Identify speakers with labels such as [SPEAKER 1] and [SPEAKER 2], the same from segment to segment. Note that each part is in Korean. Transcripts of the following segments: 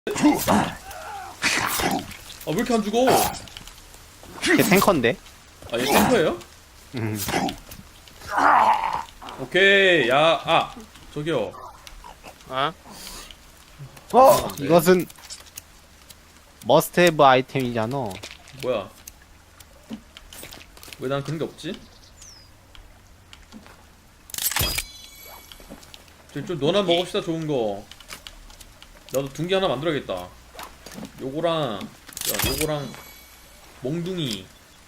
[SPEAKER 1] 왜 이렇게 안 죽어?
[SPEAKER 2] 걔 탱커인데?
[SPEAKER 1] 아, 얘 탱커예요? 오케이, 저기요.
[SPEAKER 3] 어?
[SPEAKER 1] 네.
[SPEAKER 2] 이것은 머스트 헤브 아이템이잖아.
[SPEAKER 1] 뭐야? 왜 난 그런 게 없지? 좀 너나 먹읍시다, 좋은 거. 나도 둥기 하나 만들어야겠다. 요거랑, 요거랑, 몽둥이.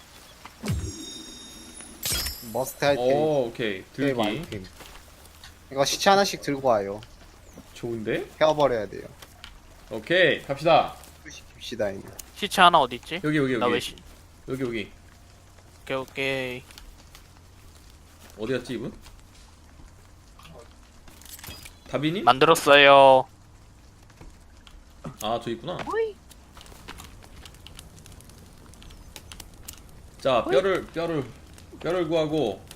[SPEAKER 2] 머스트 아이템.
[SPEAKER 1] 오케이. 들기.
[SPEAKER 2] 아이템. 이거 시체 하나씩 들고 와요.
[SPEAKER 1] 좋은데?
[SPEAKER 2] 헤어버려야 돼요.
[SPEAKER 1] 오케이, 갑시다.
[SPEAKER 2] 시킵시다 이제.
[SPEAKER 3] 시체 하나 어디 있지?
[SPEAKER 1] 여기.
[SPEAKER 3] 나 왜
[SPEAKER 1] 여기.
[SPEAKER 3] 오케이.
[SPEAKER 1] 어디 갔지, 이분? 다비님?
[SPEAKER 3] 만들었어요.
[SPEAKER 1] 저 있구나. 자, 뼈를 구하고.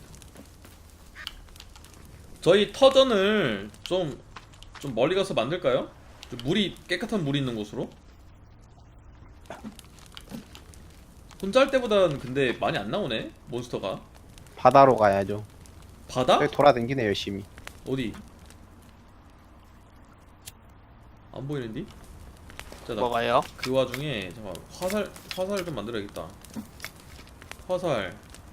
[SPEAKER 1] 저희 터전을 좀 멀리 가서 만들까요? 좀 깨끗한 물이 있는 곳으로? 혼자 할 때보다는 근데 많이 안 나오네, 몬스터가.
[SPEAKER 2] 바다로 가야죠.
[SPEAKER 1] 바다?
[SPEAKER 2] 여기 돌아다니네 열심히.
[SPEAKER 1] 어디? 안 보이는디? 자, 나
[SPEAKER 3] 뭐가요?
[SPEAKER 1] 그 와중에 잠깐 화살 좀 만들어야겠다. 화살.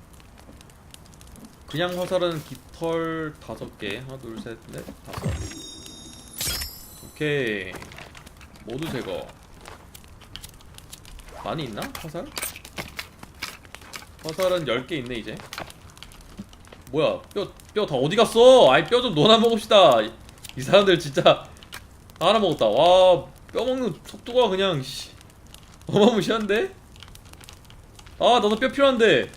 [SPEAKER 1] 그냥 화살은 깃털 5개. 하나, 둘, 셋, 넷, 5. 오케이. 모두 제거. 많이 있나? 화살? 화살은 10개 있네 이제. 뭐야? 뼈 다 어디 갔어? 아이, 뼈 좀 넣어놔 먹읍시다. 이 사람들 진짜 하나 먹었다. 와, 뼈 먹는 속도가 그냥 어마무시한데? 나도 뼈 필요한데.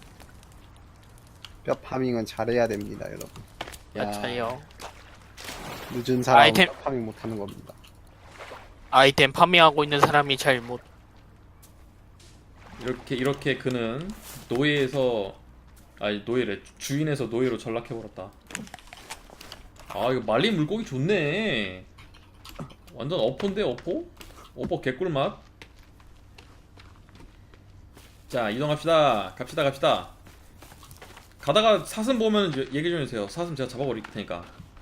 [SPEAKER 2] 뼈 파밍은 잘해야 됩니다, 여러분.
[SPEAKER 3] 맞아요.
[SPEAKER 2] 늦은 사람은
[SPEAKER 3] 아이템.
[SPEAKER 2] 뼈 파밍 못하는 겁니다.
[SPEAKER 3] 아이템 파밍하고 있는 사람이 잘못.
[SPEAKER 1] 이렇게 그는 주인에서 노예로 전락해버렸다. 이거 말린 물고기 좋네. 완전 어포인데, 어포? 어포 개꿀맛. 자, 이동합시다. 갑시다. 가다가 사슴 보면 얘기 좀 해주세요. 사슴 제가 잡아버릴 테니까.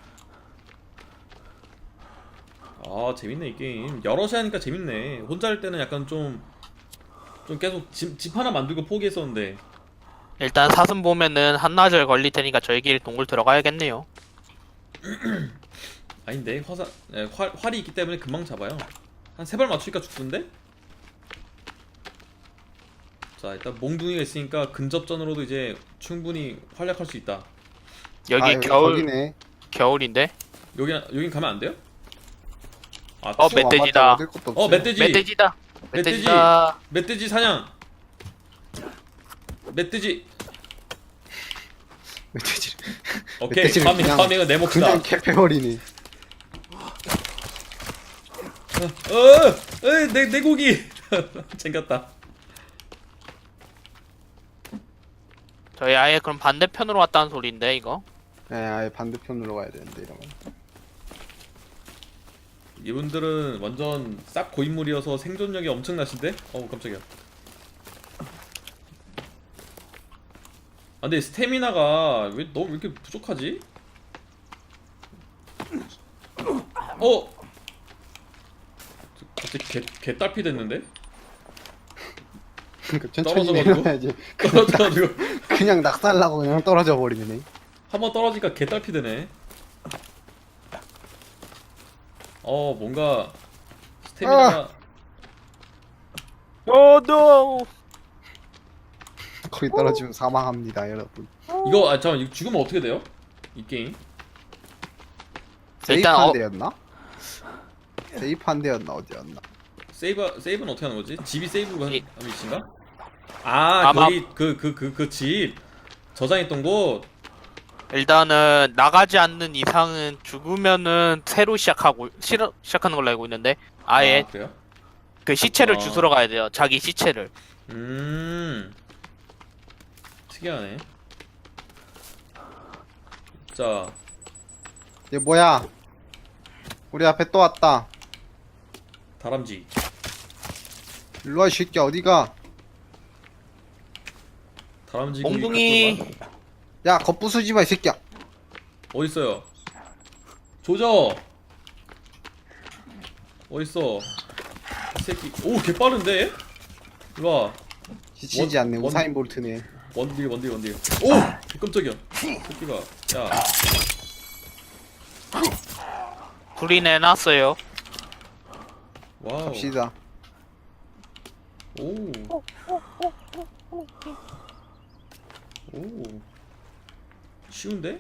[SPEAKER 1] 재밌네 이 게임. 여럿이 하니까 재밌네. 혼자 할 때는 약간 좀 계속 집 하나 만들고 포기했었는데.
[SPEAKER 3] 일단 사슴 보면은 한나절 걸릴 테니까 저희끼리 동굴 들어가야겠네요.
[SPEAKER 1] 아닌데 활이 있기 때문에 금방 잡아요. 한 3발 맞추니까 죽던데? 자, 일단 몽둥이가 있으니까 근접전으로도 이제 충분히 활약할 수 있다.
[SPEAKER 3] 여기
[SPEAKER 2] 여기
[SPEAKER 3] 겨울
[SPEAKER 2] 거기네.
[SPEAKER 3] 겨울인데?
[SPEAKER 1] 여긴 가면 안 돼요?
[SPEAKER 3] 멧돼지다.
[SPEAKER 2] 얻을 것도 없어요.
[SPEAKER 1] 멧돼지.
[SPEAKER 3] 멧돼지다.
[SPEAKER 1] 멧돼지 사냥. 멧돼지.
[SPEAKER 2] 멧돼지.
[SPEAKER 1] 오케이,
[SPEAKER 2] 멧돼지를 그냥-
[SPEAKER 1] 파밍은 내 몫이다.
[SPEAKER 2] 그냥 캐패버리네.
[SPEAKER 1] 내 고기. 챙겼다.
[SPEAKER 3] 저희 아예 그럼 반대편으로 왔다는 소리인데 이거?
[SPEAKER 2] 네, 아예 반대편으로 가야 되는데 이러면.
[SPEAKER 1] 이분들은 완전 싹 고인물이어서 생존력이 엄청나신데? 깜짝이야. 근데 스태미나가 왜 이렇게 부족하지? 갑자기 개딸피 됐는데?
[SPEAKER 2] 그러니까 천천히
[SPEAKER 1] 떨어져가지고?
[SPEAKER 2] 내려야지.
[SPEAKER 1] 떨어져가지고
[SPEAKER 2] 그냥 낙살나고 그냥 떨어져 버리네.
[SPEAKER 1] 한번 떨어지니까 개딸피 되네. 뭔가 스태미나가
[SPEAKER 3] 노.
[SPEAKER 2] 거기 떨어지면 사망합니다, 여러분.
[SPEAKER 1] 이거 잠깐만, 이거 죽으면 어떻게 돼요? 이 게임?
[SPEAKER 3] 일단
[SPEAKER 2] 세이프한 데였나? 세이프한 데였나 어디였나?
[SPEAKER 1] 세이브는 어떻게 하는 거지? 집이 세이브가 한
[SPEAKER 3] 이-
[SPEAKER 1] 위치인가?
[SPEAKER 3] 아마-
[SPEAKER 1] 거기 그 집 저장했던 곳.
[SPEAKER 3] 일단은 나가지 않는 이상은 죽으면은 새로 시작하는 걸로 알고 있는데 아예
[SPEAKER 1] 그래요?
[SPEAKER 3] 그 시체를
[SPEAKER 1] 아.
[SPEAKER 3] 주스러 가야 돼요. 자기 시체를.
[SPEAKER 1] 특이하네. 자,
[SPEAKER 2] 얘 뭐야? 우리 앞에 또 왔다.
[SPEAKER 1] 다람쥐.
[SPEAKER 2] 일로와 이 새끼야 어디가.
[SPEAKER 1] 다람쥐
[SPEAKER 3] 몽둥이.
[SPEAKER 1] 고기 갖고
[SPEAKER 2] 야 겁부수지마 이 새끼야.
[SPEAKER 1] 와. 어딨어요? 조져. 어딨어? 이 새끼. 오, 개 빠른데? 일로와.
[SPEAKER 2] 지치지 않네. 우사인 볼트네.
[SPEAKER 1] 원딜. 오! 깜짝이야. 새끼가. 야.
[SPEAKER 3] 둘이 내놨어요.
[SPEAKER 1] 와우.
[SPEAKER 2] 갑시다.
[SPEAKER 1] 오. 오. 쉬운데?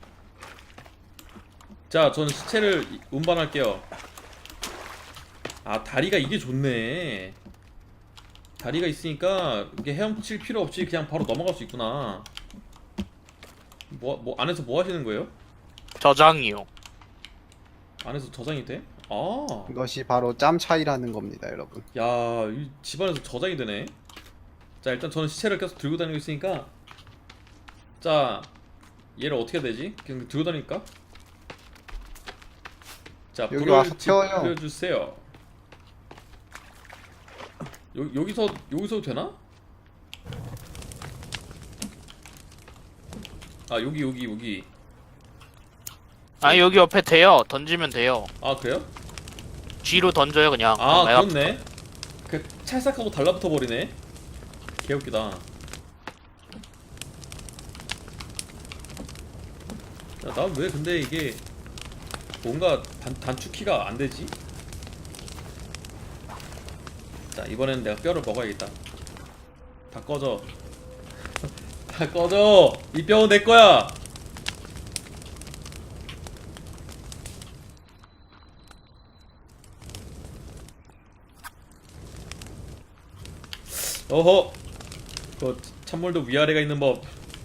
[SPEAKER 1] 자, 저는 시체를 운반할게요. 아, 다리가 이게 좋네. 다리가 있으니까 이게 헤엄칠 필요 없이 그냥 바로 넘어갈 수 있구나. 뭐 안에서 뭐 하시는 거예요?
[SPEAKER 3] 저장이요.
[SPEAKER 1] 안에서 저장이 돼? 아.
[SPEAKER 2] 이것이 바로 짬 차이라는 겁니다, 여러분.
[SPEAKER 1] 야, 이 집안에서 저장이 되네. 자, 일단 저는 시체를 계속 들고 다니고 있으니까, 자, 얘를 어떻게 해야 되지? 그냥 들고 다닐까? 자,
[SPEAKER 2] 여기
[SPEAKER 1] 불을
[SPEAKER 2] 와서 태워요.
[SPEAKER 1] 지펴주세요. 여기서 되나? 아, 여기.
[SPEAKER 3] 아 여기 옆에 돼요. 던지면 돼요.
[SPEAKER 1] 아, 그래요?
[SPEAKER 3] G로 던져요 그냥.
[SPEAKER 1] 아,
[SPEAKER 3] 내가
[SPEAKER 1] 그렇네. 그 찰싹하고 달라붙어 버리네. 개웃기다. 야, 난 왜 근데 이게 뭔가 단축키가 안 되지? 자, 이번에는 내가 뼈를 먹어야겠다. 다 꺼져. 다 꺼져. 이 뼈는 내 거야. 어허. 그 찬물도 위아래가 있는 법.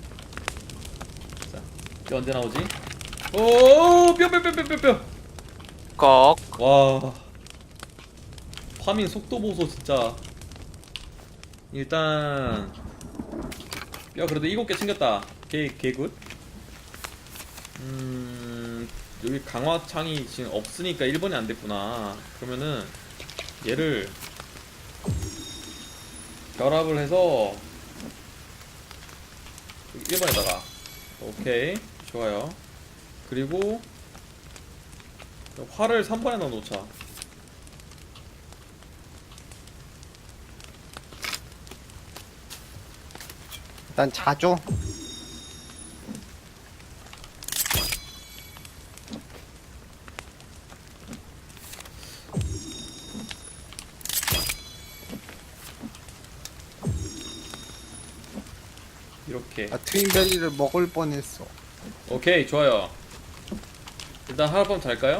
[SPEAKER 1] 자, 뼈 언제 나오지? 오, 뼈.
[SPEAKER 3] 꺽.
[SPEAKER 1] 와. 파밍 속도 보소 진짜. 일단 뼈 그래도 7개 챙겼다. 개굿. 여기 강화창이 지금 없으니까 1번이 안 됐구나. 그러면은 얘를 결합을 해서 1번에다가 오케이 좋아요. 그리고 활을 3번에 넣어 놓자.
[SPEAKER 2] 일단 자죠.
[SPEAKER 1] 이렇게.
[SPEAKER 2] 아, 트윈베리를 먹을 뻔했어.
[SPEAKER 1] 오케이 좋아요. 일단 하룻밤 잘까요?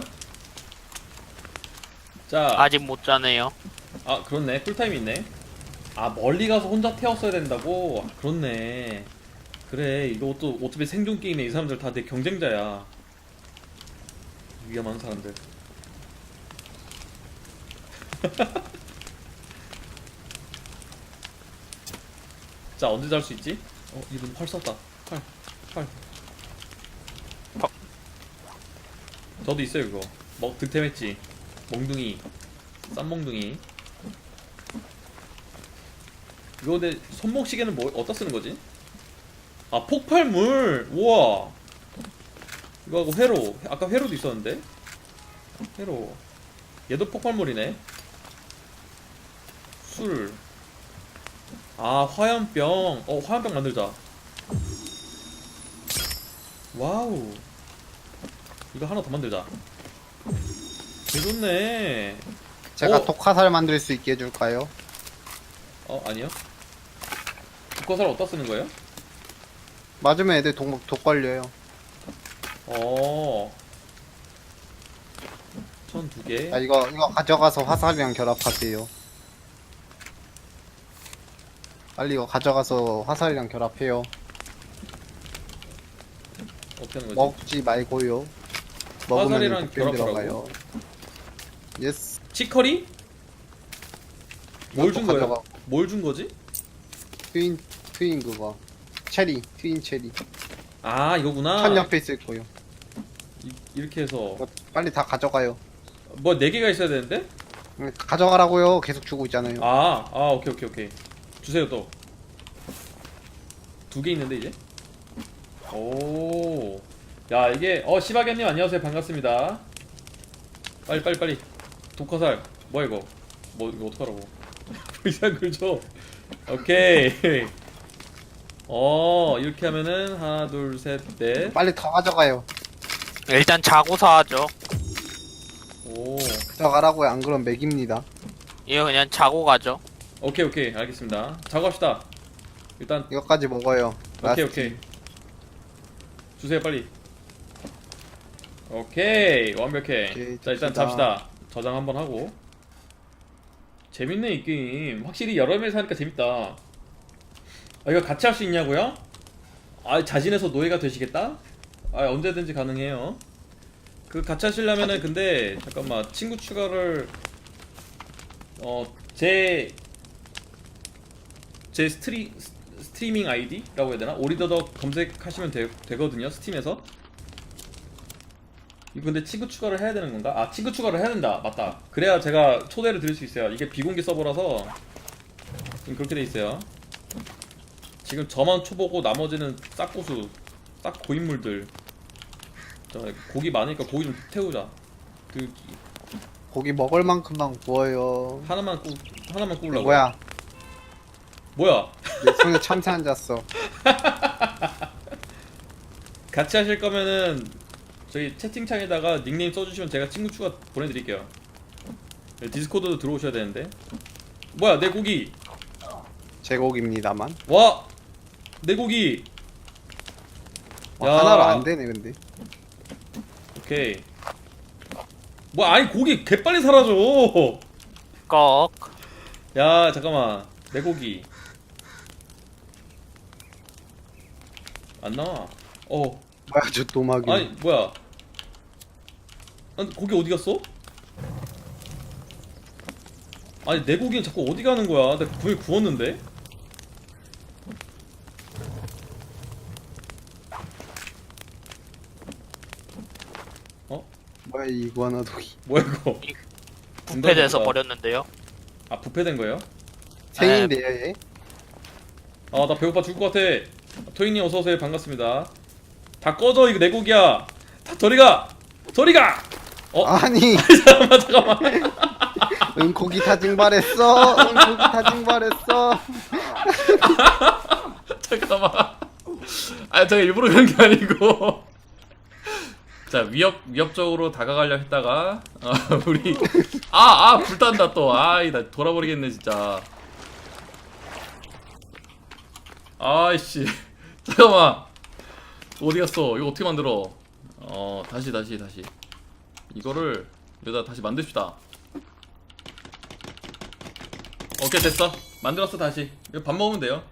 [SPEAKER 1] 자,
[SPEAKER 3] 아직 못 자네요.
[SPEAKER 1] 아 그렇네. 쿨타임 있네. 아 멀리 가서 혼자 태웠어야 된다고? 아, 그렇네. 그래 이것도 어차피 생존 게임에 이 사람들 다 내 경쟁자야. 위험한 사람들. 자 언제 잘 수 있지? 이분 활 쐈다. 활. 저도 있어요 그거. 득템했지. 몽둥이. 쌈몽둥이. 이거 근데 손목시계는 뭐 어디다 쓰는 거지? 아 폭발물. 우와. 이거하고 회로. 아까 회로도 있었는데. 회로. 얘도 폭발물이네. 술. 아 화염병. 화염병 만들자. 와우. 이거 하나 더 만들자. 개좋네.
[SPEAKER 2] 제가 독화살 만들 수 있게 해줄까요?
[SPEAKER 1] 아니요. 독화살 어디다 쓰는 거예요?
[SPEAKER 2] 맞으면 애들 독 걸려요.
[SPEAKER 1] 천 2개.
[SPEAKER 2] 아, 이거 가져가서 화살이랑 결합하세요. 빨리 이거 가져가서 화살이랑 결합해요.
[SPEAKER 1] 어떻게 하는 거지?
[SPEAKER 2] 먹지 말고요. 먹으면
[SPEAKER 1] 화살이랑
[SPEAKER 2] 독병
[SPEAKER 1] 결합하라고?
[SPEAKER 2] 들어가요. 예스.
[SPEAKER 1] 치커리? 뭘 준 거야?
[SPEAKER 2] 가져가.
[SPEAKER 1] 뭘 준 거지?
[SPEAKER 2] 트윈 그거. 트윈 체리.
[SPEAKER 1] 아 이거구나.
[SPEAKER 2] 천 옆에 있을 거요.
[SPEAKER 1] 이렇게 해서
[SPEAKER 2] 이거 빨리 다 가져가요.
[SPEAKER 1] 뭐 4개가 있어야 되는데?
[SPEAKER 2] 가져가라고요. 계속 주고 있잖아요.
[SPEAKER 1] 오케이 오케이 오케이. 주세요 또. 2개 있는데 이제. 오. 야 이게 시바견님 안녕하세요 반갑습니다. 빨리. 독화살. 뭐야 이거? 이거 어떡하라고? 이상한 걸 줘. 오케이. 이렇게 하면은 하나 둘 셋 넷.
[SPEAKER 2] 빨리 더 가져가요.
[SPEAKER 3] 일단 자고서 하죠.
[SPEAKER 1] 오.
[SPEAKER 2] 가져가라고요. 안 그러면 맥입니다.
[SPEAKER 3] 이거 그냥 자고 가죠.
[SPEAKER 1] 오케이 알겠습니다. 자고 합시다. 일단
[SPEAKER 2] 이거까지 먹어요.
[SPEAKER 1] 오케이. 주세요 빨리. 오케이 완벽해.
[SPEAKER 2] 오케이,
[SPEAKER 1] 자 일단
[SPEAKER 2] 좋습니다.
[SPEAKER 1] 잡시다. 저장 한번 하고. 재밌네 이 게임. 확실히 여러 명이서 하니까 재밌다. 이거 같이 할 수 있냐고요? 자진해서 노예가 되시겠다? 언제든지 가능해요. 그 같이 하시려면은 근데 잠깐만 친구 추가를 제 스트리밍 아이디라고 해야 되나? 오리더덕 검색하시면 되거든요 스팀에서. 이거 근데 친구 추가를 해야 되는 건가? 친구 추가를 해야 된다. 맞다. 그래야 제가 초대를 드릴 수 있어요. 이게 비공개 서버라서 지금 그렇게 돼 있어요. 지금 저만 초보고 나머지는 싹 고수, 싹 고인물들. 고기 많으니까 고기 좀 태우자.
[SPEAKER 2] 고기 먹을 만큼만 구워요.
[SPEAKER 1] 하나만 구우려고. 뭐야?
[SPEAKER 2] 내 손에 참새 앉았어.
[SPEAKER 1] 같이 하실 거면은 저희 채팅창에다가 닉네임 써주시면 제가 친구 추가 보내드릴게요. 디스코드도 들어오셔야 되는데. 뭐야 내 고기.
[SPEAKER 2] 제 고기입니다만.
[SPEAKER 1] 와! 내 고기. 야.
[SPEAKER 2] 하나로 안 되네 근데.
[SPEAKER 1] 오케이. 아니 고기 개빨리 사라져.
[SPEAKER 3] 꺽.
[SPEAKER 1] 야 잠깐만 내 고기 안 나와.
[SPEAKER 2] 뭐야 저 도마귀.
[SPEAKER 1] 아니 뭐야? 고기 어디 갔어? 아니 내 고기는 자꾸 어디 가는 거야? 내가 분명히 구웠는데.
[SPEAKER 2] 뭐야 이 이구아나 독이.
[SPEAKER 1] 뭐야 이거?
[SPEAKER 3] 부패돼서 버렸는데요.
[SPEAKER 1] 부패된 거예요?
[SPEAKER 2] 생인데요 얘.
[SPEAKER 1] 나 배고파 죽을 것 같아. 토이님 어서오세요 반갑습니다. 다 꺼져 이거 내 고기야. 다 저리가.
[SPEAKER 2] 아니
[SPEAKER 1] 잠깐만.
[SPEAKER 2] 응 고기 다 증발했어. 응 고기 다 증발했어.
[SPEAKER 1] 잠깐만. 제가 일부러 그런 게 아니고. 자 위협적으로 다가가려 했다가 우리 불탄다 또. 나 돌아버리겠네 진짜. 아이씨. 잠깐만. 어디 갔어? 이거 어떻게 만들어? 다시. 이거를 여기다 다시 만듭시다. 오케이 됐어. 만들었어 다시. 이거 밥 먹으면 돼요.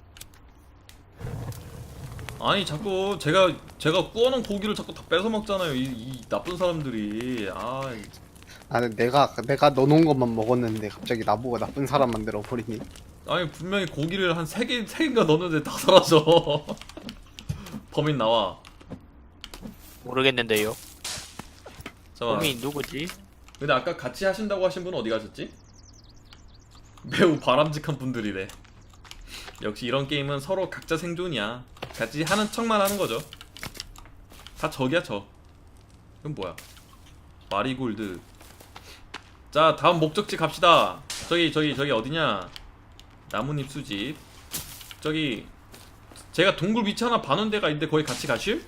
[SPEAKER 1] 아니 자꾸 제가 구워놓은 고기를 자꾸 다 뺏어 먹잖아요. 이 나쁜 사람들이.
[SPEAKER 2] 아니 내가 넣어놓은 것만 먹었는데 갑자기 나보고 나쁜 사람 만들어 버리니.
[SPEAKER 1] 아니 분명히 고기를 한 3개인가 넣었는데 다 사라져. 범인 나와.
[SPEAKER 3] 모르겠는데요.
[SPEAKER 1] 잠깐만.
[SPEAKER 3] 범인 누구지?
[SPEAKER 1] 근데 아까 같이 하신다고 하신 분은 어디 가셨지? 매우 바람직한 분들이래. 역시 이런 게임은 서로 각자 생존이야. 같이 하는 척만 하는 거죠. 다 적이야 적. 이건 뭐야? 마리골드. 자 다음 목적지 갑시다. 저기 어디냐? 나뭇잎 수집. 저기 제가 동굴 위치 하나 봐놓은 데가 있는데 거기 같이 가실?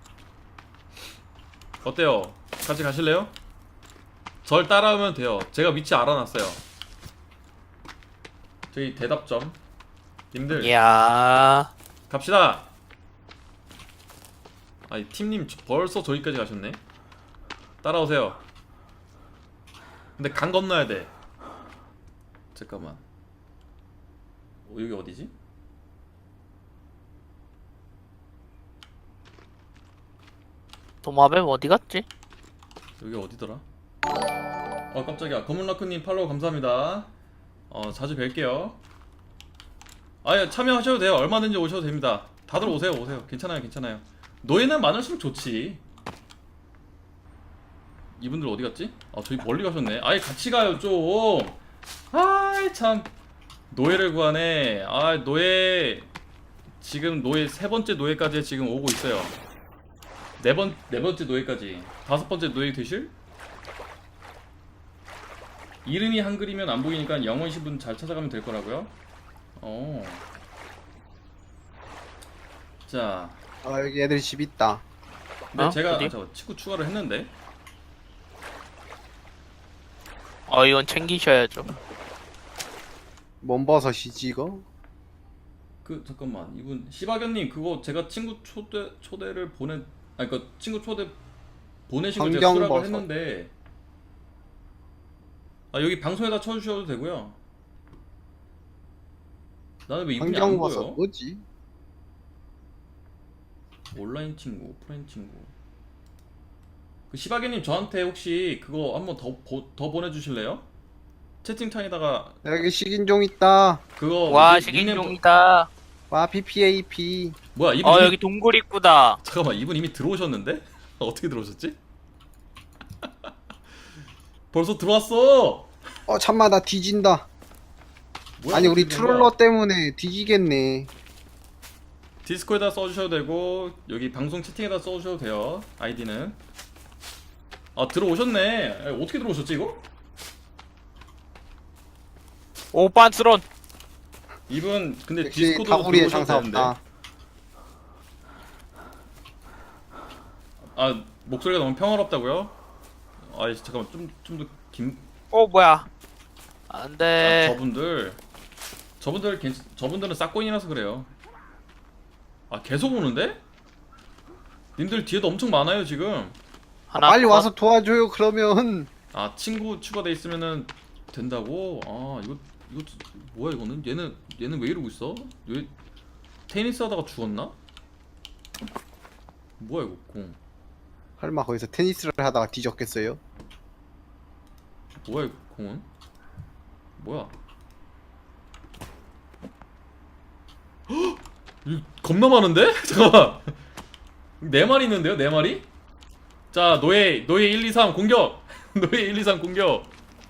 [SPEAKER 1] 어때요? 같이 가실래요? 절 따라오면 돼요. 제가 위치 알아놨어요. 저기 대답점 님들
[SPEAKER 3] 이야.
[SPEAKER 1] 갑시다. 아니 팀님 벌써 저기까지 가셨네. 따라오세요. 근데 강 건너야 돼. 잠깐만. 여기 어디지?
[SPEAKER 3] 도마뱀 어디 갔지?
[SPEAKER 1] 여기 어디더라? 깜짝이야. 검은라크님 팔로우 감사합니다. 자주 뵐게요. 참여하셔도 돼요. 얼마든지 오셔도 됩니다. 다들 오세요. 괜찮아요. 노예는 많을수록 좋지. 이분들 어디 갔지? 아 저기 멀리 가셨네. 아예 같이 가요 좀. 아이 참 노예를 구하네. 아 노예 지금 노예 세 번째 노예까지 지금 오고 있어요. 네 번째 노예까지. 다섯 번째 노예 되실? 이름이 한글이면 안 보이니까 영어이신 분 잘 찾아가면 될 거라고요? 어. 자,
[SPEAKER 2] 여기 애들 집 있다.
[SPEAKER 1] 근데 제가
[SPEAKER 3] 어디?
[SPEAKER 1] 저 친구 추가를 했는데
[SPEAKER 3] 이건 챙기셔야죠.
[SPEAKER 2] 뭔 버섯이지 이거?
[SPEAKER 1] 그 잠깐만 이분 시바견님 그거 제가 친구 초대를 아니 그 친구 초대 보내신 거 제가 수락을
[SPEAKER 2] 환경버섯.
[SPEAKER 1] 했는데 아 여기 방송에다 쳐주셔도 되고요. 나는 왜 이분이 안
[SPEAKER 2] 환경버섯
[SPEAKER 1] 보여?
[SPEAKER 2] 뭐지?
[SPEAKER 1] 온라인 친구, 오프라인 친구. 그 시바견님 저한테 혹시 그거 한번 더 보내주실래요? 채팅창에다가
[SPEAKER 2] 여기 식인종 있다.
[SPEAKER 1] 그거
[SPEAKER 3] 와
[SPEAKER 1] 뭐지? 닉네임
[SPEAKER 3] 식인종이다.
[SPEAKER 2] 와 PPAP.
[SPEAKER 1] 뭐야 이분 이미
[SPEAKER 3] 여기 동굴 입구다.
[SPEAKER 1] 잠깐만 이분 이미 들어오셨는데? 어떻게 들어오셨지? 벌써 들어왔어.
[SPEAKER 2] 참마 나 뒤진다.
[SPEAKER 1] 뭐야,
[SPEAKER 2] 아니 우리
[SPEAKER 1] 어떻게 된 거야?
[SPEAKER 2] 트롤러 때문에 뒤지겠네.
[SPEAKER 1] 디스코에다 써주셔도 되고 여기 방송 채팅에다 써주셔도 돼요. 아이디는. 아 들어오셨네. 아니, 어떻게 들어오셨지 이거?
[SPEAKER 3] 오빤스런.
[SPEAKER 1] 이분 근데
[SPEAKER 2] 역시
[SPEAKER 1] 디스코드로
[SPEAKER 2] 다구리에
[SPEAKER 1] 들어오셔도
[SPEAKER 2] 장사
[SPEAKER 1] 되는데.
[SPEAKER 2] 없다.
[SPEAKER 1] 아 목소리가 너무 평화롭다고요? 아 잠깐만 좀 더 김.
[SPEAKER 3] 뭐야?
[SPEAKER 1] 아,
[SPEAKER 3] 안돼.
[SPEAKER 1] 저분들은 싹고인이라서 그래요. 아 계속 오는데? 님들 뒤에도 엄청 많아요 지금.
[SPEAKER 3] 하나
[SPEAKER 2] 빨리
[SPEAKER 3] 컷.
[SPEAKER 2] 와서 도와줘요 그러면.
[SPEAKER 1] 아 친구 추가돼 있으면은 된다고? 아 이거 뭐야 이거는? 얘는 왜 이러고 있어? 왜 테니스 하다가 죽었나? 뭐야 이거 공?
[SPEAKER 2] 설마 거기서 테니스를 하다가 뒤졌겠어요?
[SPEAKER 1] 뭐야 이거 공은? 뭐야? 헉! 이거 겁나 많은데? 잠깐만. 네 마리 있는데요? 네 마리? 자 노예 1, 2, 3 공격. 노예 1, 2, 3 공격.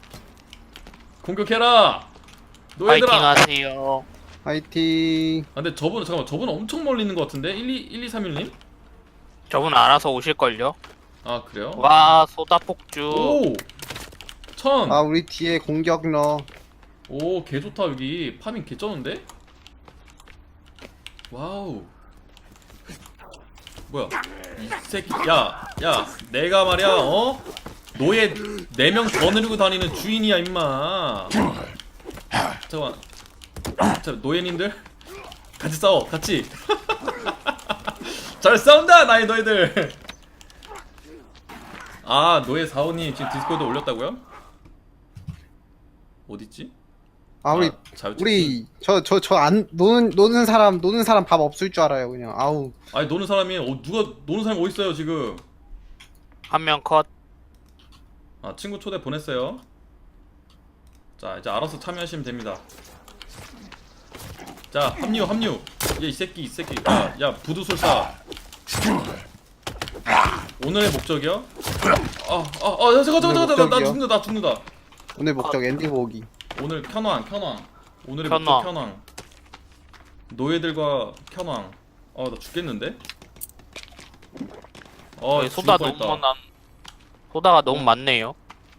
[SPEAKER 1] 공격해라.
[SPEAKER 3] 파이팅
[SPEAKER 1] 노예들아.
[SPEAKER 3] 하세요.
[SPEAKER 2] 화이팅.
[SPEAKER 1] 아 근데 저분 엄청 멀리 있는 것 같은데? 1, 2, 3, 1님?
[SPEAKER 3] 저분 알아서 오실걸요?
[SPEAKER 1] 아 그래요?
[SPEAKER 3] 와 소다 폭주.
[SPEAKER 1] 오! 1000!
[SPEAKER 2] 아 우리 뒤에 공격러.
[SPEAKER 1] 오 개좋다 여기 파밍 개쩌는데? 와우 뭐야 이 새끼 야 내가 말이야 노예 4명 더 늘리고 다니는 주인이야 임마. 잠깐만 자 노예님들 같이 싸워 같이. 잘 싸운다 나의 너희들. 아 노예 사원이 지금 디스코드 올렸다고요? 어딨지?
[SPEAKER 2] 우리 저 안 노는 사람 밥 없을 줄 알아요 그냥. 아우.
[SPEAKER 1] 아니 노는 사람이 누가 노는 사람이 어딨어요 지금.
[SPEAKER 3] 한 명 컷.
[SPEAKER 1] 아 친구 초대 보냈어요. 자 이제 알아서 참여하시면 됩니다. 자 합류 이 새끼 야 부두술사 오늘의 목적이요? 잠깐
[SPEAKER 2] 목적이요?
[SPEAKER 1] 나 죽는다.
[SPEAKER 2] 오늘 목적 엔딩 보기.
[SPEAKER 1] 오늘 켠왕 오늘의
[SPEAKER 3] 켠왕.
[SPEAKER 1] 목적 켠왕 노예들과 켠왕. 나 죽겠는데?
[SPEAKER 3] 여기
[SPEAKER 1] 죽을
[SPEAKER 3] 소다
[SPEAKER 1] 뻔했다.
[SPEAKER 3] 너무 소다가 너무 많네요.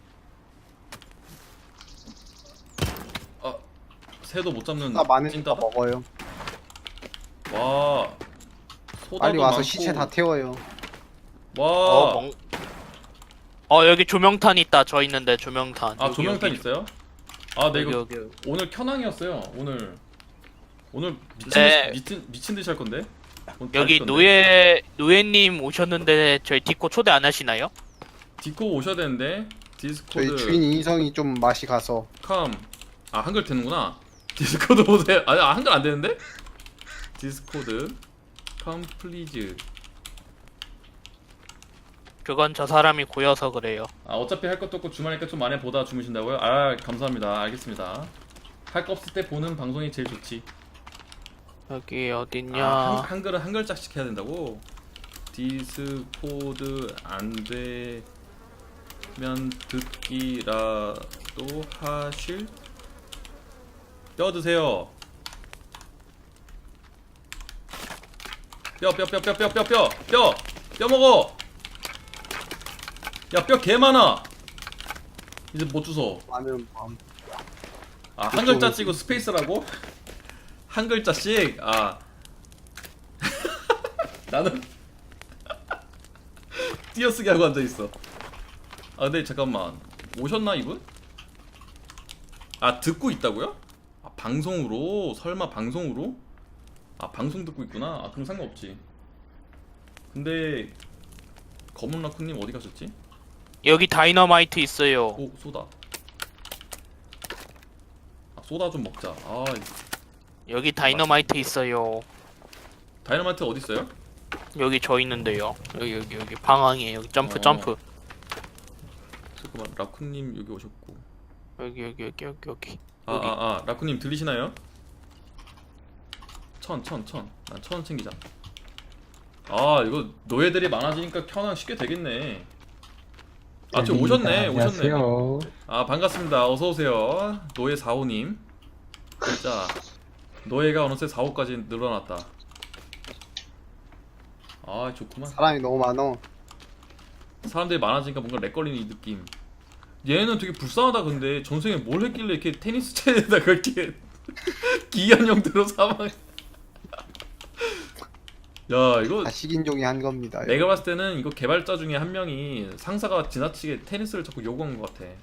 [SPEAKER 1] 새도 못 잡는
[SPEAKER 2] 나 많으니까
[SPEAKER 1] 찐따다?
[SPEAKER 2] 먹어요.
[SPEAKER 1] 와 소다도
[SPEAKER 2] 빨리 와서
[SPEAKER 1] 많고.
[SPEAKER 2] 시체 다 태워요.
[SPEAKER 1] 와
[SPEAKER 3] 여기 조명탄 있다. 저 있는데 조명탄.
[SPEAKER 1] 아
[SPEAKER 3] 여기,
[SPEAKER 1] 조명탄
[SPEAKER 3] 여기.
[SPEAKER 1] 있어요? 아 네
[SPEAKER 3] 여기,
[SPEAKER 1] 이거
[SPEAKER 3] 여기.
[SPEAKER 1] 오늘 켜낭이었어요. 오늘
[SPEAKER 3] 네.
[SPEAKER 1] 미친 듯이 할 건데. 오늘 다
[SPEAKER 3] 여기
[SPEAKER 1] 할 건데.
[SPEAKER 3] 노예님 오셨는데 저희 디코 초대 안 하시나요?
[SPEAKER 1] 디코 오셔야 되는데
[SPEAKER 2] 저희
[SPEAKER 1] 디스코드
[SPEAKER 2] 주인 인성이 좀 맛이 가서.
[SPEAKER 1] 한글 되는구나. 디스코드 보세요. 한글 안 되는데? 디스코드 플리즈.
[SPEAKER 3] 그건 저 사람이 고여서 그래요.
[SPEAKER 1] 어차피 할 것도 없고 주말이니까 좀 많이 보다 주무신다고요? 아 감사합니다. 알겠습니다. 할 거 없을 때 보는 방송이 제일 좋지.
[SPEAKER 3] 여기 어딨냐?
[SPEAKER 1] 한글은 한 글자씩 해야 된다고? 디스코드 안돼. 듣기라도 하실? 뼈 드세요. 뼈 먹어. 야, 뼈 개 많아. 이제 못 주워.
[SPEAKER 2] 라면
[SPEAKER 1] 아, 한 글자 찍고 스페이스라고? 한 글자씩? 아. 나는 띄어쓰기 하고 앉아있어. 아, 근데 잠깐만. 오셨나, 이분? 아, 듣고 있다고요? 아, 방송으로? 설마 방송으로? 아, 방송 듣고 있구나. 아, 그럼 상관없지. 근데 검은 라쿤님 어디 가셨지?
[SPEAKER 3] 여기 다이너마이트 있어요.
[SPEAKER 1] 오, 소다. 아, 소다 좀 먹자. 아,
[SPEAKER 3] 여기 다이너마이트 있어요.
[SPEAKER 1] 다이너마이트 어디 있어요?
[SPEAKER 3] 여기 저 있는데요. 여기 방황이에요. 여기 점프
[SPEAKER 1] 어.
[SPEAKER 3] 점프.
[SPEAKER 1] 잠깐만, 라쿤님 여기 오셨고.
[SPEAKER 3] 여기.
[SPEAKER 1] 라쿤님 들리시나요? 난 1000원 챙기자. 아, 이거 노예들이 많아지니까 켜놔 쉽게 되겠네. 아, 저 오셨네.
[SPEAKER 4] 안녕하세요.
[SPEAKER 1] 아, 반갑습니다. 어서오세요. 노예 4호님. 진짜 노예가 어느새 4호까지 늘어났다. 아, 좋구만.
[SPEAKER 2] 사람이 너무 많어.
[SPEAKER 1] 사람들이 많아지니까 뭔가 렉 걸리는 이 느낌. 얘는 되게 불쌍하다. 근데 전생에 뭘 했길래 이렇게 테니스 채에다 그렇게 기이한 형태로 사망. 야, 이거
[SPEAKER 2] 다 식인종이 한 겁니다.
[SPEAKER 1] 내가 봤을 때는 이거 개발자 중에 한 명이 상사가 지나치게 테니스를 자꾸 요구한 것 같아.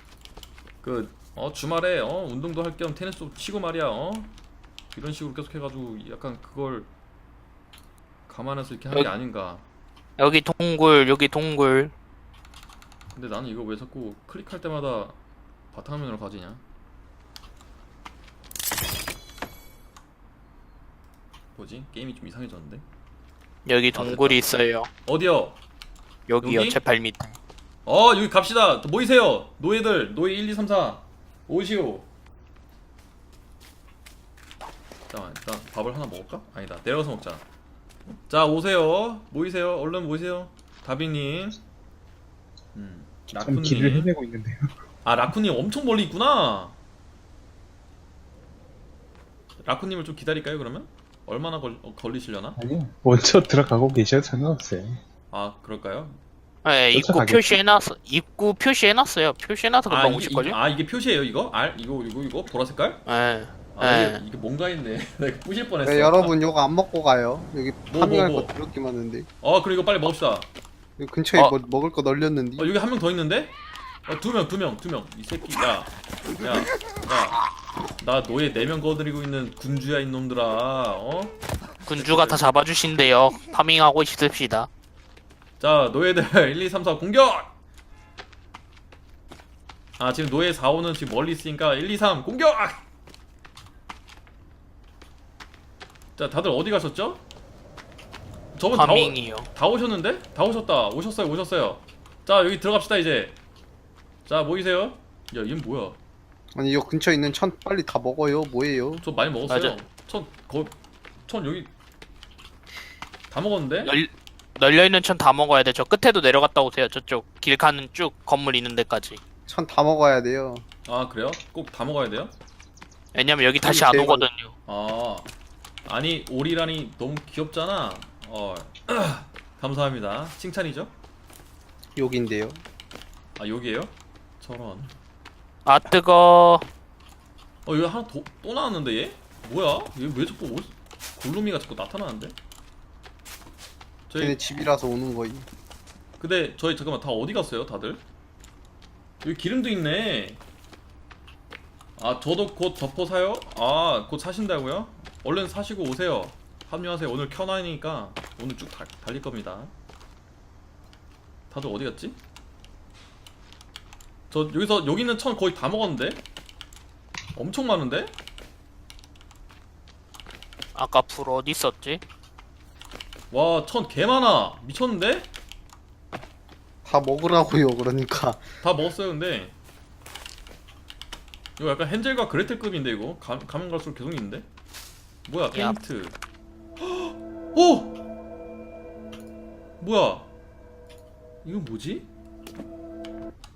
[SPEAKER 1] 주말에 운동도 할 겸 테니스 치고 말이야. 이런 식으로 계속 해가지고 약간 그걸 감안해서 이렇게 하는 게 아닌가.
[SPEAKER 3] 여기 동굴.
[SPEAKER 1] 근데 나는 이거 왜 자꾸 클릭할 때마다 바탕화면으로 가지냐? 뭐지? 게임이 좀 이상해졌는데?
[SPEAKER 3] 여기 동굴이 있어요.
[SPEAKER 1] 어디요?
[SPEAKER 3] 여기요.
[SPEAKER 1] 여기?
[SPEAKER 3] 제 발 밑에.
[SPEAKER 1] 여기 갑시다. 모이세요. 노예들. 노예 1, 2, 3, 4. 오시오. 잠깐만, 일단 밥을 하나 먹을까? 아니다. 내려가서 먹자. 자, 오세요. 모이세요. 얼른 모이세요. 다비님.
[SPEAKER 4] 참 길을
[SPEAKER 1] 라쿤님.
[SPEAKER 4] 헤매고 있는데요.
[SPEAKER 1] 아, 라쿤님 엄청 멀리 있구나. 라쿤님을 좀 기다릴까요, 그러면? 얼마나 걸리시려나?
[SPEAKER 4] 아니요. 먼저 들어가고 계셔도 상관없어요.
[SPEAKER 1] 아, 그럴까요?
[SPEAKER 3] 네, 입구
[SPEAKER 4] 쫓아가겠지.
[SPEAKER 3] 표시해놨어. 입구 표시해놨어요. 표시해놔서 금방 오실걸요?
[SPEAKER 1] 이게 표시예요, 이거? 이거 보라 색깔?
[SPEAKER 3] 네.
[SPEAKER 1] 아,
[SPEAKER 3] 네.
[SPEAKER 1] 이게 뭔가 했네. 내가 부실 뻔했어.
[SPEAKER 2] 왜 여러분 요거 안 먹고 가요? 여기
[SPEAKER 1] 뭐,
[SPEAKER 2] 파밍할
[SPEAKER 1] 뭐.
[SPEAKER 2] 거 더럽게 많은데.
[SPEAKER 1] 그리고 이거 빨리 먹읍시다.
[SPEAKER 2] 여기 근처에
[SPEAKER 3] 어.
[SPEAKER 2] 뭐 먹을 거 널렸는데.
[SPEAKER 1] 여기 한 명 더 있는데? 두 명. 이 새끼, 야. 나 노예 4명 거드리고 있는 군주야, 이놈들아.
[SPEAKER 3] 군주가 다 잡아주신대요. 파밍하고 있읍시다.
[SPEAKER 1] 자, 노예들 1, 2, 3, 4 공격! 아, 지금 노예 4, 5는 지금 멀리 있으니까 1, 2, 3 공격! 자, 다들 어디 가셨죠? 저분
[SPEAKER 3] 파밍이요.
[SPEAKER 1] 다 오셨는데? 다 오셨다. 오셨어요. 자, 여기 들어갑시다, 이제. 자, 모이세요. 야, 얘는 뭐야?
[SPEAKER 2] 아니 요 근처에 있는 천 빨리 다 먹어요. 뭐예요?
[SPEAKER 1] 저 많이 먹었어요.
[SPEAKER 3] 맞아.
[SPEAKER 1] 천 여기 다 먹었는데?
[SPEAKER 3] 널려있는 천 다 먹어야 돼. 저 끝에도 내려갔다 오세요. 저쪽 길 가는 쭉 건물 있는 데까지.
[SPEAKER 2] 천 다 먹어야 돼요.
[SPEAKER 1] 아, 그래요? 꼭 다 먹어야 돼요?
[SPEAKER 3] 왜냐면 여기 다시 안
[SPEAKER 2] 제발.
[SPEAKER 3] 오거든요.
[SPEAKER 1] 아, 아니 오리라니 너무 귀엽잖아. 감사합니다. 칭찬이죠?
[SPEAKER 2] 여기인데요.
[SPEAKER 1] 아, 여기에요? 저런.
[SPEAKER 3] 아 뜨거.
[SPEAKER 1] 여기 하나 또 나왔는데 얘? 뭐야? 얘 왜 자꾸 골룸이가 자꾸 나타나는데?
[SPEAKER 2] 걔네 집이라서 오는 거임.
[SPEAKER 1] 근데 저희 잠깐만 다 어디 갔어요, 다들? 여기 기름도 있네. 아, 저도 곧 덮어 사요? 아, 곧 사신다고요? 얼른 사시고 오세요. 합류하세요. 오늘 켜놔니까 오늘 쭉 달릴 겁니다. 다들 어디 갔지? 저 여기 있는 천 거의 다 먹었는데? 엄청 많은데?
[SPEAKER 3] 아까 불 어디 있었지?
[SPEAKER 1] 와, 천 개 많아. 미쳤는데?
[SPEAKER 2] 다 먹으라고요. 그러니까.
[SPEAKER 1] 다 먹었어요. 근데 이거 약간 헨젤과 그레텔급인데 이거 가면 갈수록 계속 있는데? 뭐야, 페인트. 오! 뭐야? 이건 뭐지?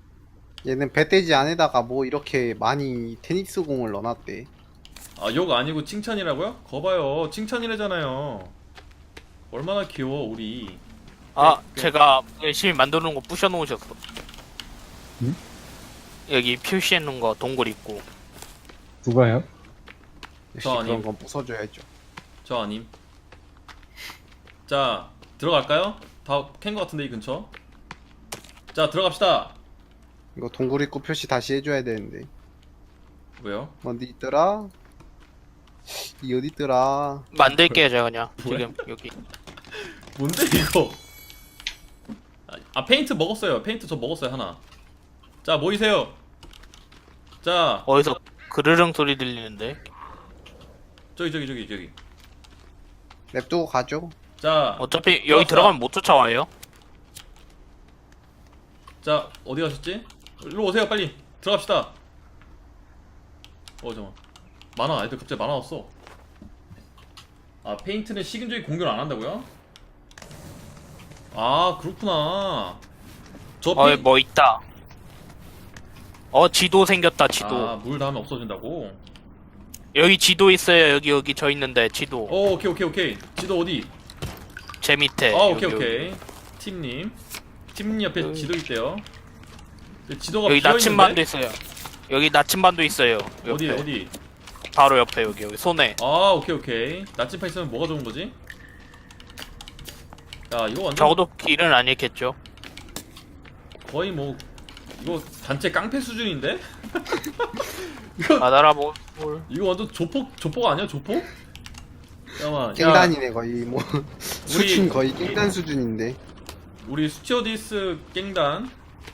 [SPEAKER 2] 얘는 배돼지 안에다가 뭐 이렇게 많이 테니스 공을 넣어놨대.
[SPEAKER 1] 아, 욕 아니고 칭찬이라고요? 거봐요, 칭찬이래잖아요. 얼마나 귀여워 우리.
[SPEAKER 3] 아 제가 열심히 만들어 놓은 거 부셔 놓으셨어.
[SPEAKER 4] 응?
[SPEAKER 3] 여기 표시해 놓은 거 동굴 있고.
[SPEAKER 4] 누가요?
[SPEAKER 2] 역시
[SPEAKER 1] 저 아님.
[SPEAKER 2] 그런 건 부숴줘야죠.
[SPEAKER 1] 저 아님. 자, 들어갈까요? 다 캔 거 같은데 이 근처. 자, 들어갑시다.
[SPEAKER 2] 이거 동굴 입구 표시 다시 해줘야 되는데.
[SPEAKER 1] 왜요?
[SPEAKER 2] 어디 있더라? 이 어디 있더라?
[SPEAKER 3] 만들게요 제가 그냥.
[SPEAKER 1] 뭐야?
[SPEAKER 3] 지금 여기.
[SPEAKER 1] 뭔데 이거? 아, 페인트 먹었어요. 페인트 저 먹었어요 하나. 자, 모이세요. 자,
[SPEAKER 3] 어디서 그르릉 소리 들리는데.
[SPEAKER 1] 저기.
[SPEAKER 2] 냅두고 가죠.
[SPEAKER 1] 자,
[SPEAKER 3] 어차피 여기
[SPEAKER 1] 들어왔어.
[SPEAKER 3] 들어가면 못 쫓아와요.
[SPEAKER 1] 자, 어디 가셨지? 일로 오세요, 빨리. 들어갑시다. 잠깐만. 많아, 애들 갑자기 많아졌어. 아, 페인트는 식인종이 공격을 안 한다고요? 아, 그렇구나. 저
[SPEAKER 3] 뭐 있다. 지도 생겼다 지도.
[SPEAKER 1] 아, 물 닿으면 없어진다고?
[SPEAKER 3] 여기 지도 있어요. 여기 저 있는데 지도.
[SPEAKER 1] 오케이. 지도 어디?
[SPEAKER 3] 제 밑에.
[SPEAKER 1] 오케이. 팀님 옆에
[SPEAKER 3] 여기.
[SPEAKER 1] 지도 있대요. 지도가
[SPEAKER 3] 여기
[SPEAKER 1] 비어있는데?
[SPEAKER 3] 나침반도 있어요. 여기 나침반도 있어요. 옆에.
[SPEAKER 1] 어디?
[SPEAKER 3] 바로 옆에 여기 손에.
[SPEAKER 1] 아, 오케이. 나침반 있으면 뭐가 좋은 거지? 야, 이거 완전
[SPEAKER 3] 적어도 길은 아니겠죠.
[SPEAKER 1] 거의 뭐 이거 단체 깡패 수준인데?
[SPEAKER 3] 받아라 뭘.
[SPEAKER 1] 이거 완전 조폭 아니야, 조폭? 잠깐만.
[SPEAKER 2] 깽단이네 거의 뭐 수준 거의 깽단 수준인데.
[SPEAKER 1] 우리 스튜어디스 깽단,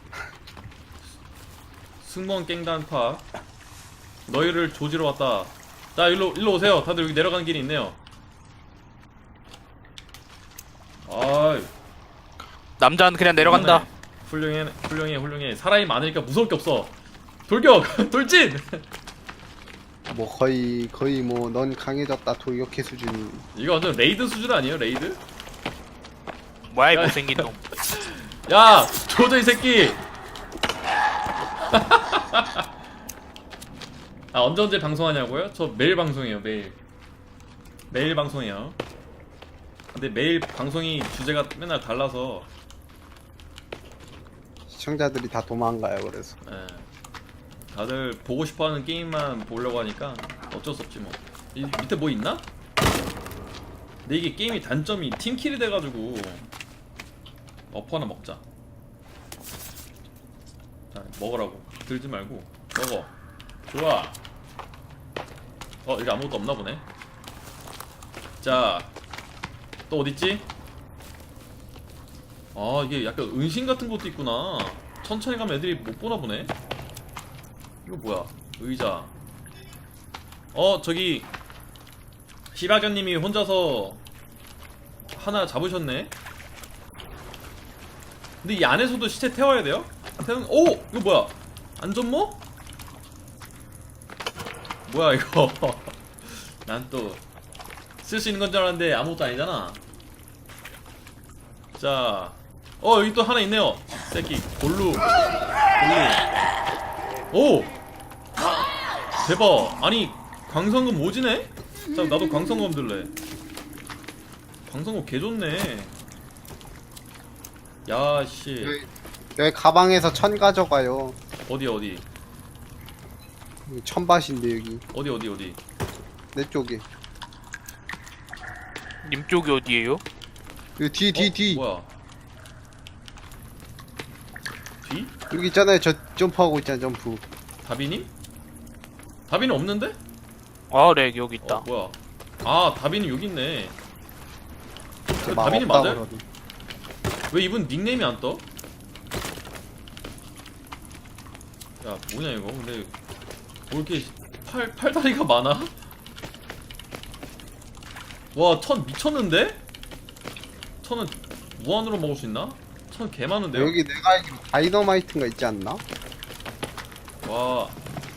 [SPEAKER 1] 승무원 깽단 파, 너희를 조지러 왔다. 자, 일로 오세요. 다들 여기 내려가는 길이 있네요. 아이,
[SPEAKER 3] 남자는 그냥 내려간다.
[SPEAKER 1] 훌륭해. 사람이 많으니까 무서울 게 없어. 돌격! 돌진!
[SPEAKER 2] 뭐 거의 뭐 넌 강해졌다 돌격해 수준이.
[SPEAKER 1] 이거 완전 레이드 수준 아니에요, 레이드?
[SPEAKER 3] 뭐야 이
[SPEAKER 1] 야.
[SPEAKER 3] 못생긴 놈.
[SPEAKER 1] 야! 조져 이 새끼! 아, 언제 방송하냐고요? 저 매일 방송해요, 매일 방송해요. 근데 매일 방송이 주제가 맨날 달라서.
[SPEAKER 2] 시청자들이 다 도망가요. 그래서
[SPEAKER 1] 예. 다들 보고 싶어하는 게임만 보려고 하니까 어쩔 수 없지 뭐. 이 밑에 뭐 있나? 근데 이게 게임이 단점이 팀킬이 돼가지고. 어퍼 하나 먹자. 자, 먹으라고. 들지 말고 먹어. 좋아. 여기 아무것도 없나 보네. 자, 또 어딨지? 아, 이게 약간 은신 같은 것도 있구나. 천천히 가면 애들이 못 보나 보네. 이거 뭐야? 의자. 저기 시바견님이 혼자서 하나 잡으셨네. 근데 이 안에서도 시체 태워야 돼요? 오! 이거 뭐야? 안전모? 뭐야 이거? 난 또 쓸 수 있는 건 줄 알았는데 아무것도 아니잖아. 자, 여기 또 하나 있네요. 새끼 골루. 오! 대박. 아니, 광선검 오지네? 자, 나도 광선검 들래. 광선검 개좋네. 야, 씨.
[SPEAKER 2] 여기 가방에서 천 가져가요.
[SPEAKER 1] 어디?
[SPEAKER 2] 여기 천밭인데 여기
[SPEAKER 1] 어디?
[SPEAKER 2] 내 쪽에.
[SPEAKER 3] 님 쪽이 어디에요?
[SPEAKER 2] 여기 뒤.
[SPEAKER 1] 뭐야? 뒤?
[SPEAKER 2] 여기 있잖아요. 저 점프하고 있잖아. 점프.
[SPEAKER 1] 다비님? 다비는 없는데?
[SPEAKER 3] 네 여기 있다.
[SPEAKER 1] 뭐야? 아, 다비는 여기 있네.
[SPEAKER 2] 막
[SPEAKER 1] 다비님
[SPEAKER 2] 없다
[SPEAKER 1] 맞아요?
[SPEAKER 2] 그러더니.
[SPEAKER 1] 왜 이분 닉네임이 안 떠? 야, 뭐냐 이거? 근데 뭐 이렇게 팔다리가 많아? 와, 천 미쳤는데? 천은 무한으로 먹을 수 있나? 천 개 많은데요?
[SPEAKER 2] 여기 내가 알기로 다이너마이트가 있지 않나?
[SPEAKER 1] 와.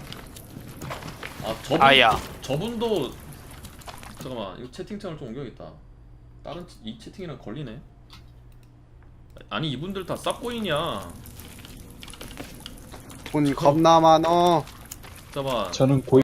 [SPEAKER 1] 아,
[SPEAKER 3] 아야.
[SPEAKER 1] 저분도 잠깐만, 이거 채팅창을 좀 옮겨야겠다. 이 채팅이랑 걸리네. 아니, 이분들 다 쌉고이냐?
[SPEAKER 2] 돈 겁나 많어.
[SPEAKER 1] 잠깐만.
[SPEAKER 4] 저는 고